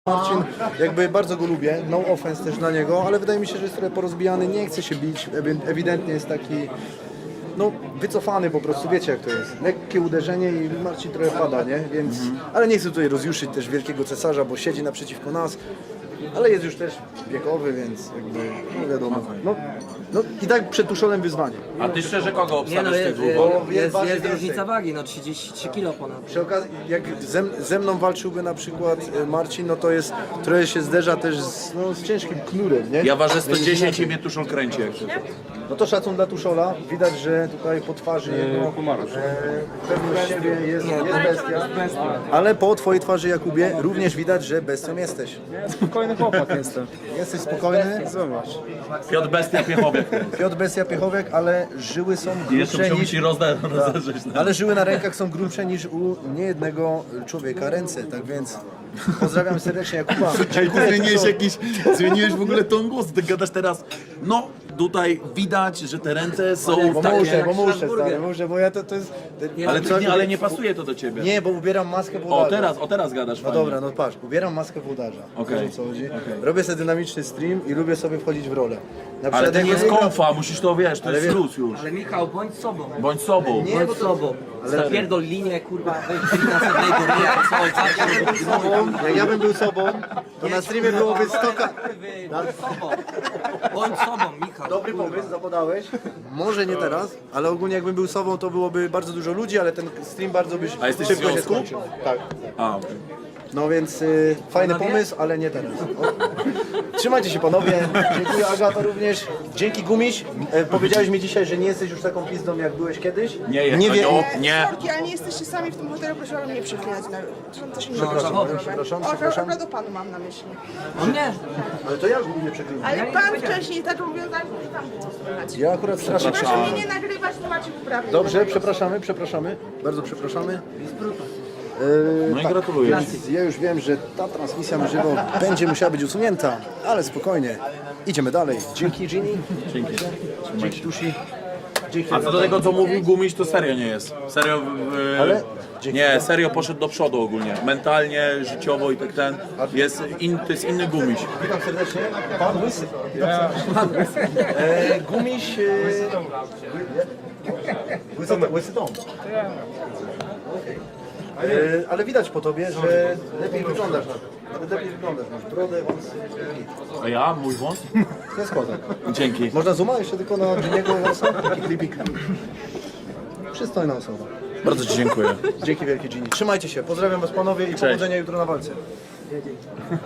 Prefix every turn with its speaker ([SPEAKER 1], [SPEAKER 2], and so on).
[SPEAKER 1] Marcin, jakby bardzo go lubię, no offense też dla niego, ale wydaje mi się, że jest trochę porozbijany, nie chce się bić, ewidentnie jest taki, no wycofany po prostu, wiecie jak to jest, lekkie uderzenie i Marcin trochę pada, nie, więc, ale nie chcę tutaj rozjuszyć też wielkiego cesarza, bo siedzi naprzeciwko nas, ale jest już też wiekowy, więc jakby, no wiadomo, no i tak przed Tuszolem wyzwanie.
[SPEAKER 2] A ty szczerze kogo
[SPEAKER 3] Nie no,
[SPEAKER 2] obstawiasz z tych
[SPEAKER 3] jest,
[SPEAKER 2] dwóch?
[SPEAKER 3] jest,
[SPEAKER 1] waży
[SPEAKER 3] jest
[SPEAKER 1] więcej.
[SPEAKER 3] różnica wagi, no 33 kg ponad.
[SPEAKER 1] Przy okazji, jak ze mną walczyłby na przykład Marcin, no to jest, trochę się zderza też z ciężkim knurem, nie?
[SPEAKER 2] Ja ważę
[SPEAKER 1] Więc
[SPEAKER 2] 110
[SPEAKER 1] inaczej.
[SPEAKER 2] i mnie tuszą kręci jak coś.
[SPEAKER 1] No to szacun dla Tuszola, widać, że tutaj po twarzy jego pewność siebie jest bestia, ale po twojej twarzy, Jakubie, również widać, że bestią jesteś.
[SPEAKER 4] Spokojny chłopak jestem.
[SPEAKER 1] Jesteś spokojny,
[SPEAKER 4] Zobacz.
[SPEAKER 2] Piotr Bestia Piechowiek.
[SPEAKER 1] Piotr Bestia Piechowiak, ale żyły są
[SPEAKER 2] Jeszcze
[SPEAKER 1] grubsze
[SPEAKER 2] musiałbym
[SPEAKER 1] niż...
[SPEAKER 2] ci rozerzyć.
[SPEAKER 1] Ale żyły na rękach są grubsze niż u niejednego człowieka ręce, tak więc pozdrawiam serdecznie Jakuba.
[SPEAKER 2] Zmieniłeś w ogóle ton głos, ty gadasz teraz, no tutaj widać, że te ręce są
[SPEAKER 1] Bo
[SPEAKER 2] takie,
[SPEAKER 1] muszę, stary, bo ja to jest...
[SPEAKER 2] ale nie pasuje to do ciebie.
[SPEAKER 1] Nie, bo ubieram maskę włodarza.
[SPEAKER 2] O teraz gadasz
[SPEAKER 1] No
[SPEAKER 2] fajnie.
[SPEAKER 1] dobra, no patrz, ubieram maskę włodarza.
[SPEAKER 2] Okej.
[SPEAKER 1] Wiesz, o co chodzi? Robię sobie dynamiczny stream i lubię sobie wchodzić w rolę. Na
[SPEAKER 2] Ale to
[SPEAKER 1] jak
[SPEAKER 2] nie jest
[SPEAKER 1] wygram-
[SPEAKER 2] konfa, musisz to wiesz, to jest
[SPEAKER 1] wie-
[SPEAKER 2] plus już.
[SPEAKER 3] Ale Michał, bądź sobą.
[SPEAKER 2] Bądź sobą.
[SPEAKER 1] Nie,
[SPEAKER 3] Bądź
[SPEAKER 1] bo to-
[SPEAKER 3] sobą. Zapierdol linię, kurwa, weź na sobie
[SPEAKER 1] Jak ja bym był sobą, to na streamie byłoby 100
[SPEAKER 3] Bądź sobą. Bądź sobą, Michał.
[SPEAKER 1] Dobry pomysł, zapodałeś. Może nie teraz, ale ogólnie jakbym był sobą, to byłoby bardzo dużo ludzi, ale ten stream bardzo byś
[SPEAKER 2] A jesteś w
[SPEAKER 1] szybko się
[SPEAKER 2] związku?
[SPEAKER 1] skończył. Tak.
[SPEAKER 2] A, okej.
[SPEAKER 1] No więc fajny pomysł, ale nie teraz. Trzymajcie się panowie, dziękuję Agato również, dzięki Gumiś. Powiedziałeś mi dzisiaj, że nie jesteś już taką pizdą jak byłeś kiedyś.
[SPEAKER 2] Nie jest,
[SPEAKER 1] nie
[SPEAKER 2] to
[SPEAKER 1] wie...
[SPEAKER 2] nie.
[SPEAKER 5] Sorki, ale nie jesteście sami w tym hotelu, proszę ale nie przeklinać. Są też inni
[SPEAKER 1] przepraszam.
[SPEAKER 5] Akurat o panu mam na myśli.
[SPEAKER 3] On nie.
[SPEAKER 1] Ale to ja nie przeklinam.
[SPEAKER 5] Ale pan wcześniej zaczął wiązać, że tam było słychać.
[SPEAKER 1] Ja akurat strasznie
[SPEAKER 5] Proszę mnie nie nagrywać, to macie uprawnienie.
[SPEAKER 1] Dobrze, przepraszamy, bardzo przepraszamy.
[SPEAKER 2] No i gratuluję.
[SPEAKER 1] Więc ja już wiem, że ta transmisja na żywo będzie musiała być usunięta, ale spokojnie. Idziemy dalej. Dzięki Ginny. Dzięki Tusi. Dzięki.
[SPEAKER 2] A co do tego, co mówił Gumiś, to serio nie jest. Serio,
[SPEAKER 1] Ale- dzięki.
[SPEAKER 2] nie, serio poszedł do przodu ogólnie. Mentalnie, życiowo i tak ten. To jest inny Gumiś.
[SPEAKER 1] Witam serdecznie. Pan Łysy. Gumiś... Łysy dom. Ale widać po tobie, że lepiej wyglądasz. Nawet lepiej wyglądasz. Masz brodę, wąsy.
[SPEAKER 2] A ja? Mój wąs?
[SPEAKER 1] To jest kozak.
[SPEAKER 2] Dzięki.
[SPEAKER 1] Można zooma jeszcze tylko na Giniego wąsa? Taki klipik. Przystojna osoba.
[SPEAKER 2] Bardzo ci dziękuję.
[SPEAKER 1] Dzięki wielkie Gini. Trzymajcie się. Pozdrawiam was panowie i powodzenia jutro na walce.